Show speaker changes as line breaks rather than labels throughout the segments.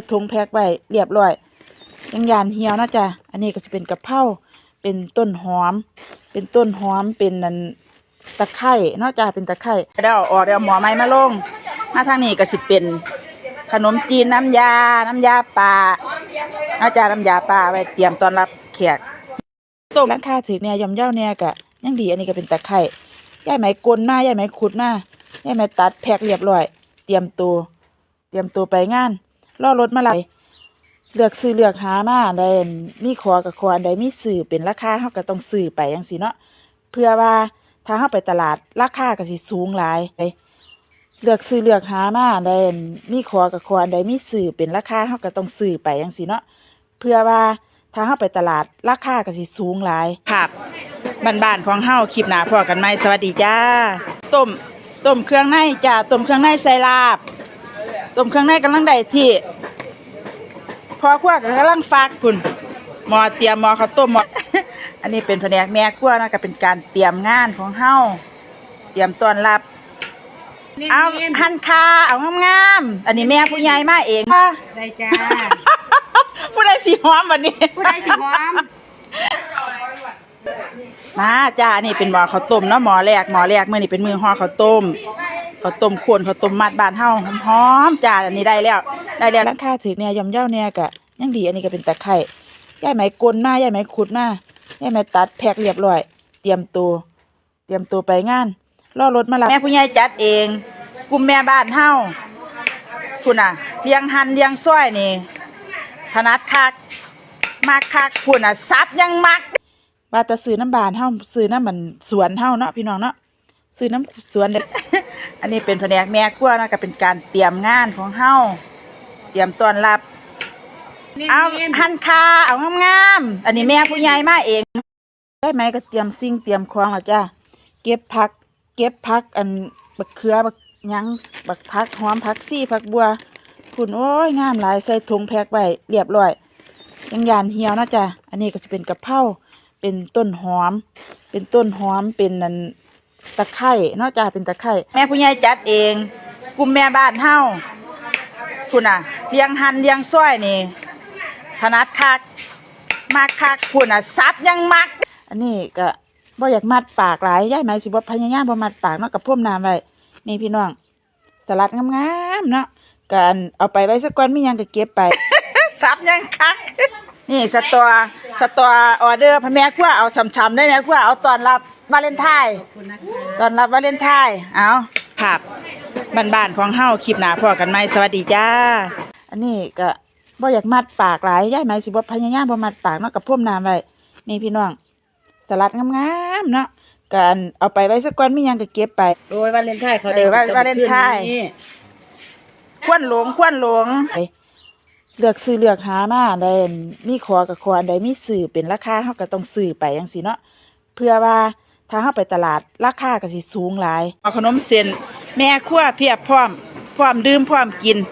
ถุงแพ็คไว้เรียบร้อยยังยานเหี่ยวนะจ๊ะอันนี้ก็จะเป็นกะเพราเป็นต้นหอมเป็นนั่นตะไคร้นอกจากเป็นตะไคร้ได้ออกได้หมอไม้มาลงมาทางนี้ก็สิเป็นขนมจีนน้ำยาปลานอกจากน้ำยาปลาไว้เตรียมต้อนรับแขกต้มราคาถือเนี่ยย่อมเยาเนี่ยก็ยังดีอันนี้ก็เป็นตะไคร้ย่ายไหมกลมาย่ายไหมขุดมาย่ายไหมตัดแพ็คเรียบร้อยเตรียมตัวไปงานรอรถมาไหลเลือกซื้อเลือกหามาได้มีขอกับขออันใดมีซื้อเป็นราคาเฮาก็ต้องซื้อไปจังซี่เนาะเพื่อว่าถ้าเฮาไปตลาดราคาก็สิสูงหลายเลือกซื้อเลือกหามาได้มีขอกับขออันใดมีซื้อเป็นราคาเฮาก็ต้องซื้อไปจังซี่เนาะเพื่อว่าถ้าเฮาไปตลาดราคาก็สิสูงหลายครับบ้านๆของเฮาคลิปหน้าพอกันใหม่สวัสดีจ้าต้มเครื่องในจ้าต้มเครื่องในใส่ลาบต้มเครื่องในกำลังได้ที่พอครัวก็กำลังฟักคุณหมอเตรียมหมอข้าวต้มหมอ อันนี้เป็นแผนกแม่ครัวนะก็เป็นการเตรียมงานของเฮาเตรียมต้อนรับเอาหั่นคาเอางามๆอันนี้แม่ผู้ใหญ่มาเอง
ได้จ้า
ผู้ใดสิหอมวันนี้
ผู้ใดสิหอม
มาจ้านี่เป็นหมอข้าวต้มเนาะหมอแรกมื้อนี้เป็นมือห่อข้าวต้มข้าวต้มมัดบ้านเฮาหอมๆจ้าอันนี้ได้แล้วราคาถือเนี่ยย่อมเยาเนี่ยก็ยังดีอันนี้ก็เป็นตะไคร้ย่ายไหมกลมาย่ายไหมขุดมาย่ายไหมตัดแพ็คเรียบร้อยเตรียมตัวไปงานรอรถมารับแม่ผู้ใหญ่จัดเองกลุ่มแม่บ้านเฮาคุณน่ะเลี้ยงหั่นเลี้ยงซอยนี่ถนัดคักมักคักคุณน่ะซับยังมักว่าแต่ซื้อน้ำบานเฮาซื้อน้ำมันสวนเฮาเนาะพี่น้องเนาะซื้อน้ำสวนเด็ก อันนี้เป็นแผนกแม่ครัวนะก็เป็นการเตรียมงานของเฮาเตรียมต้อนรับเอาหั่นคาเอางามๆอันนี้แม่ผู้ใหญ่มาเองได้ไหมก็เตรียมสิ่งเตรียมของแล้วจ้าเก็บผักอันบักเขือบักหยังบักผักหอมผักซี่ผักบัวคุณโอ้ยงามหลายใส่ถุงแพ็คไว้เรียบร้อยยังยานเหี่ยวนะจ้าอันนี้ก็จะเป็นกะเพราเป็นต้นหอมเป็นนั่นตะไคร้นอกจากเป็นตะไคร้แม่ผู้ใหญ่จัดเองกลุ่มแม่บ้านเฮาคุณน่ะเลี้ยงหั่นเลี้ยงซอยนี่ถนัดคักมักคักคุณน่ะซับยังมักอันนี้ก็บ่อยากมัดปากหลายย่ายไหมสิบ่พยายามบ่มัดปากเนาะกับพ่มน้ำไว้นี่พี่น้องสลัดงามๆเนาะกันเอาไปไว้สักก้อนมีหยังก็เก็บไป ซับยังคักนี่สตอออเดอร์พ่อแม่ครัวเอาช้ำๆได้แม่ครัวเอาตอนรับวาเลนไทน์ตอนรับวาเลนไทน์เอาครับบ้านๆของเฮาคลิปหน้าพอกันใหม่สวัสดีจ้าอันนี้ก็บ่อยากมัดปากหลายย่ายไหมสิบ่พยายามบ่มัดปากเนาะกับพ่มน้ำไว้นี่พี่น้องสลัดงามๆเนาะกันเอาไปไว้สักก้อนมีหยังก็เก็บไป
โดยวาเลนไทน์เขา
วาเลนไทน์ควนหลงเลือกซื้อเลือกหามาได้มีขอกับขออันใดมีซื้อเป็นราคาเฮาก็ต้องซื้อไปจังซี่เนาะเพื่อว่าถ้าเฮาไปตลาดราคาก็สิสูงหลายเอาขนมเส้นแม่ครัวเพียบพร้อมดื่มพร้อมกิน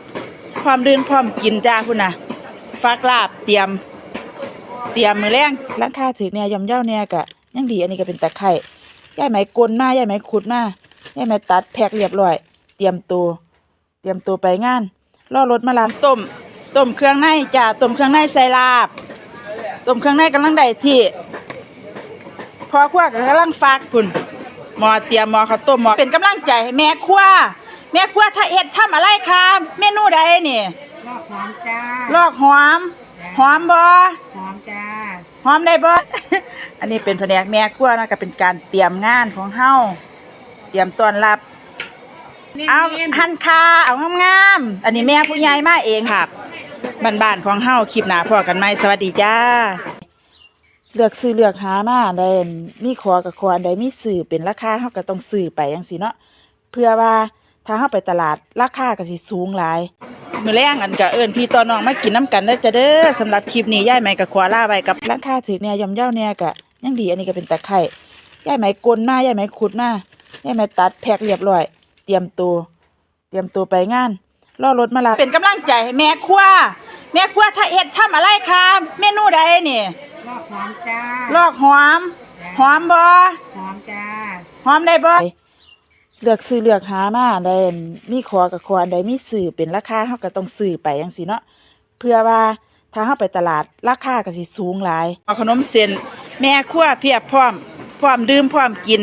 จ้าพุ่นน่ะฟักลาบเตรียมมื้อแลงราคาถือเนี่ยย่อมเยาเนี่ยก็ยังดีอันนี้ก็เป็นตะไคร้ย่ายไหมกลมาย่ายไหมขุดมาย่ายไหมตัดแพ็คเรียบร้อยเตรียมตัวไปงานรอรถมารับต้มเครื่องในจ้าต้มเครื่องในใส่ลาบต้มเครื่องในกำลังได้ที่พอครัวก็กำลังฟักคุณหมอเตรียมหมอข้าวต้มหมอเป็นกำลังใจให้แม่ครัวถ้าเฮ็ดทำอะไรคะเมนูใดนี่
ลอกหอมจ้า
ลอกหอมบ่
หอมจ้า
หอมได้บ่ อันนี้เป็นแผนกแม่ครัวนะก็เป็นการเตรียมงานของเฮาเตรียมต้อนรับเอาหั่นคาเอางามๆอันนี้แม่ผู้ใหญ่มาเองครับบ้านๆของเฮาคลิปหน้าพอกันใหม่สวัสดีจ้าเลือกซื้อเลือกหามาได้มีขอกับขออันใดมีซื้อเป็นราคาเฮาก็ต้องซื้อไปจังซี่เนาะเพื่อว่าถ้าเฮาไปตลาดราคาก็สิสูงหลายมื้อแลงอันก็เอิ้นพี่ต่อน้องมากินน้ำกันเด้อจ้าเด้อสำหรับคลิปนี้ย่ายไหมก็ขอลาไว้กับราคาถือเนี่ยย่อมเยาเนี่ยก็ยังดีอันนี้ก็เป็นตะไคร้ย่ายไหมกลมาย่ายไหมขุดมาย่ายไหมตัดแพ็คเรียบร้อยเตรียมตัวไปงานรอรถมารับเป็นกำลังใจให้แม่ครัวถ้าเฮ็ดทำอะไรคะเมนูใดนี่
ลอกหอมจ้า
ลอกหอมบ่
หอมจ้า
หอมได้บ่เลือกซื้อเลือกหามาอันใดมีขอกับขออันใดมีซื้อเป็นราคาเฮาก็ต้องซื้อไปจังซี่เนาะเพื่อว่าถ้าเฮาไปตลาดราคาก็สิสูงหลายเอาขนมเส้นแม่ครัวเพียบพร้อมดื่มพร้อมกิน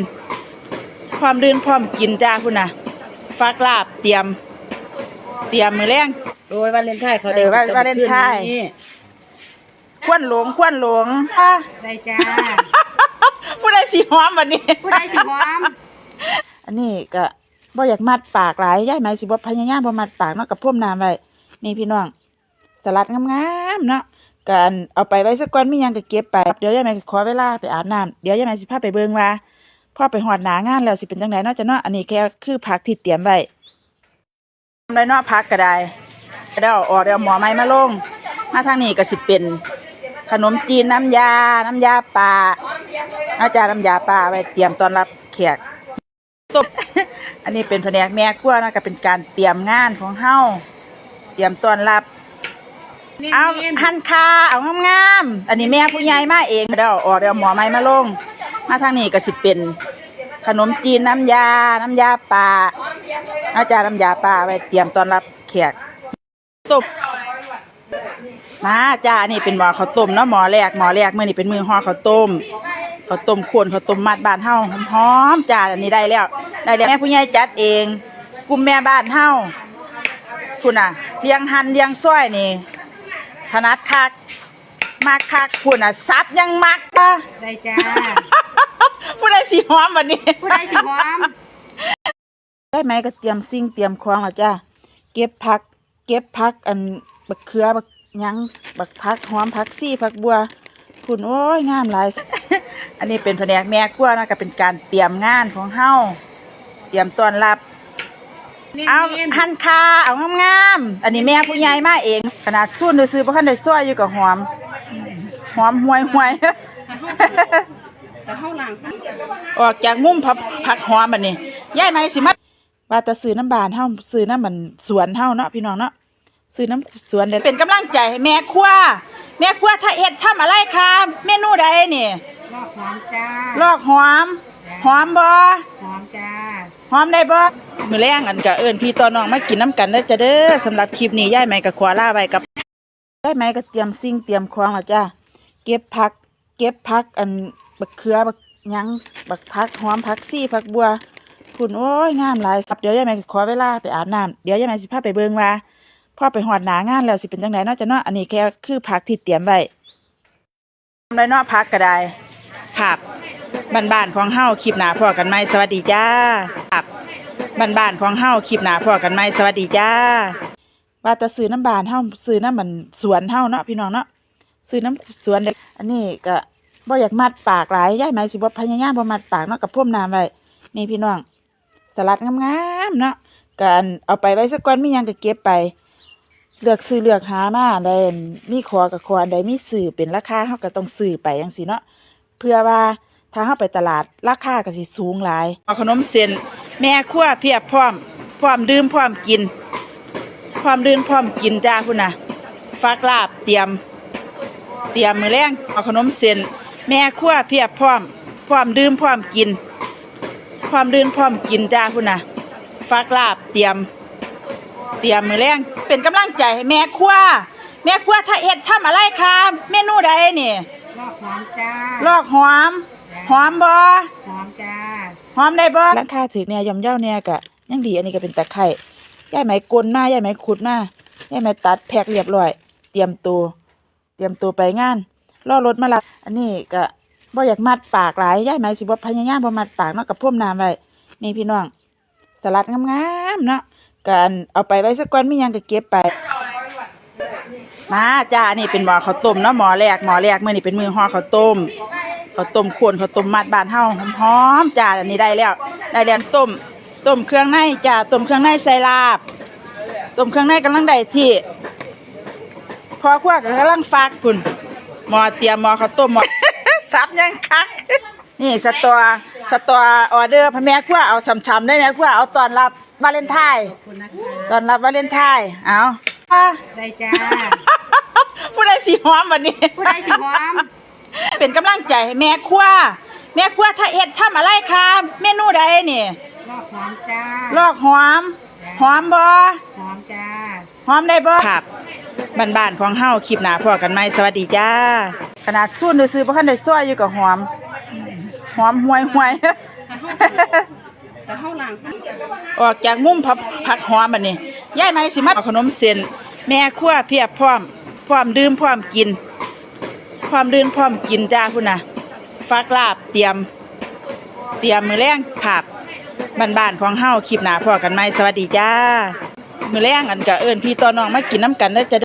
จ้าพุ่นน่ะฟักลาบเตรียมมื้อแลง
โดยวาเลนไทน์เขา
วาเลนไทน์ควนหลง
ได้จ้า
ผู้ใดสิหอมบัดนี้
ผู้ใดสิหอม
อันนี้ก็บ่อยากมัดปากหลายยายไหมสิบ่พยายามบ่มัดปากเนาะกับพ่มน้ำไว้นี่พี่น้องสลัดงามๆเนาะกันเอาไปไว้สักก่อนมีหยังก็เก็บไปเดี๋ยวยายไหมขอเวลาไปอาบน้ำเดี๋ยวยายไหมสิพาไปเบิ่งว่าพอไปฮอดหน้างานแล้วสิเป็นจังไดเนาะจ้ะเนาะอันนี้แค่คือผักที่เตรียมไว้ทำได้เนาะผักก็ได้เดี๋ยวออกเดี๋ยวหมอไม้มาลงมาทางนี้ก็สิเป็นขนมจีนน้ำยาปลาน้ำยาปลาไว้เตรียมต้อนรับแขกตบ อันนี้เป็นแผนกแม่ครัวนะก็เป็นการเตรียมงานของเฮาเตรียมต้อนรับเอาหั่นคาเอางามๆอันนี้แม่ผู้ใหญ่มาเองเดี๋ยวออกเดี๋ยวหมอไม้มาลงมาทางนี้ก็สิเป็นขนมจีนน้ำยาปลาน้ำยาปลาไว้เตรียมต้อนรับแขกตบมาจ้าอันนี้เป็นหม้อข้าวต้มเนาะหม้อแรกมื้อนี้เป็นมื้อห่อข้าวต้มข้าวต้มมัดบ้านเฮาหอมๆจ้าอันนี้ได้แล้วแม่ผู้ใหญ่จัดเองกลุ่มแม่บ้านเฮาพุ่นน่ะเลี้ยงหั่นเลี้ยงซอยนี่ถนัดคักมักคักพุ่นน่ะซับยังมักป่ะ
ได้จ้า
ผู้ใดสิหอมบัดนี้
ผู้ใดสิหอม
ได้ไหมก็เตรียมสิ่งเตรียมของแล้วจ้าเก็บผักอันบักเขือบักหยังบักผักหอมผักซี่ผักบัวพุ่นโอ้ยงามหลาย อันนี้เป็นแผนกแม่ครัวนะก็เป็นการเตรียมงานของเฮาเตรียมต้อนรับเอาหั่นคาเอางามๆอันนี้แม่ผู้ใหญ่มาเองขนาดสู้ซื้อบ่ทันได้ซอยอยู่กับหอมห่วย
แต่เฮาล้างซะ
ออกจากมุมผักหอมบัดนี้ยายไหมสิมาว่าแต่ซื้อน้ำบานเฮาซื้อน้ำมันสวนเฮาเนาะพี่น้องเนาะซื้อน้ำสวนเป็นกำลังใจให้แม่ครัวถ้าเฮ็ดทำอะไรคะเมนูใดนี่
ลอกหอมจ้า
ลอกหอมบ่
หอมจ้า
หอมได้บ่มื้อแลงอันก็เอิ้นพี่ต่อน้องมากินน้ำกันเด้อจ้ะเด้อสำหรับคลิปนี้ยายไหมก็ขอลาไว้กับยายไหมก็เตรียมสิ่งเตรียมของแล้วจ้ะเก็บผักอันบักเขือบักหยังบักผักหอมผักซี่ผักบัวพุ่นโอ้ยงามหลายเดี๋ยวยายไหมก็ขอเวลาไปอาบน้ำเดี๋ยวยายไหมสิพาไปเบิ่งว่าพอไปฮอดหน้างานแล้วสิเป็นจังไดเนาะจ้ะเนาะอันนี้แค่คือผักที่เตรียมไว้ทำได้เนาะผักก็ได้ผักบ้านๆของเฮาคลิปหน้าพอกันใหม่สวัสดีจ้าผักบ้านๆของเฮาคลิปหน้าพอกันใหม่สวัสดีจ้าว่าแต่ซื้อน้ำบานเฮาซื้อน้ำมันสวนเฮาเนาะพี่น้องเนาะซื้อน้ำสวนอันนี้ก็บ่อยากมัดปากหลายยายไหมสิบ่พยายามบ่มัดปากเนาะกับพ่มน้ำไว้นี่พี่น้องสลัดงามๆเนาะกันเอาไปไว้สักก่อนมีหยังก็เก็บไปเลือกซื้อเลือกหามาอันใดมีขอกับขออันใดมีซื้อเป็นราคาเฮาก็ต้องซื้อไปจังซี่เนาะเพื่อว่าถ้าเฮาไปตลาดราคาก็สิสูงหลายเอาขนมเส้นแม่ครัวเพียบพร้อมดื่มพร้อมกินจ้าพุ่นน่ะฟักลาบเตรียมมื้อแลงเอาขนมเส้นแม่ครัวเพียบพร้อมดื่มพร้อมกินจ้าพุ่นน่ะฟักลาบเตรียมมื้อแลงเป็นกำลังใจให้แม่ครัวถ้าเฮ็ดทำอะไรคะเมนูใดนี่
ลอกหอมจ้า
ลอกหอมบ่
หอมจ้า
หอมได้บ่ราคาถึกเนี่ยย่อมเยาเนี่ยก็ยังดีอันนี้ก็เป็นตะไคร้ยายไหมกลมายายไหมขุดมายายไหมตัดแพ็คเรียบร้อยเตรียมตัวไปงานรอรถมารับอันนี้ก็บ่อยากมัดปากหลายยายไหมสิบ่พยายามบ่มัดปากเนาะกับพ่มน้ำไว้นี่พี่น้องสลัดงามๆเนาะกันเอาไปไว้สักก่อนมีหยังก็เก็บไปมาจ้าอันนี้เป็นหม้อข้าวต้มเนาะหม้อแรกมื้อนี้เป็นมื้อห่อข้าวต้มข้าวต้มมัดบ้านเฮาหอมๆจ้าอันนี้ได้แล้วต้มเครื่องในจ้าต้มเครื่องในใส่ลาบต้มเครื่องในกำลังได้ที่พอครัวก็กำลังฟักพุ่นหม้อเตรียมหม้อข้าวต้มหม้อ ซับยังคักนี่สตอออเดอร์พ่อแม่ครัวเอาช้ำๆได้แม่ครัวเอาตอนรับวาเลนไทน์
ขอบคุณนะคะ
ตอนรับวาเลนไทน์เอา
ได้จ้า
ผู้ใดสิหอมบัดนี้
ผู้ใดสิหอม
เป็นกำลังใจให้แม่ครัวถ้าเฮ็ดทำอะไรคะเมนูใดนี่
ลลอกหอมจ้า
ลอกหอมหอมบ่
หอมจ้า
หอมได้บ่ครับบ้านๆของเฮาคลิปหน้าพอกันใหม่สวัสดีจ้าขนาดสู้ซื้อบ่ทันได้ซอยอยู่กับหอมห่วย
แต่เฮาล้างซะ
ออกจากมุมผักหอมบัดนี้ยายไหมสิมาเอาขนมเส้นแม่ครัวเพียบพร้อมดื่มพร้อมกินจ้าพุ่นน่ะฟักลาบเตรียมมื้อแลงผักบ้านๆของเฮาคลิปหน้าพอกันใหม่สวัสดีจ้ามื้อแลงอันก็เอิ้นพี่ต่อน้องมากินน้ำกันเด้อจ้ะ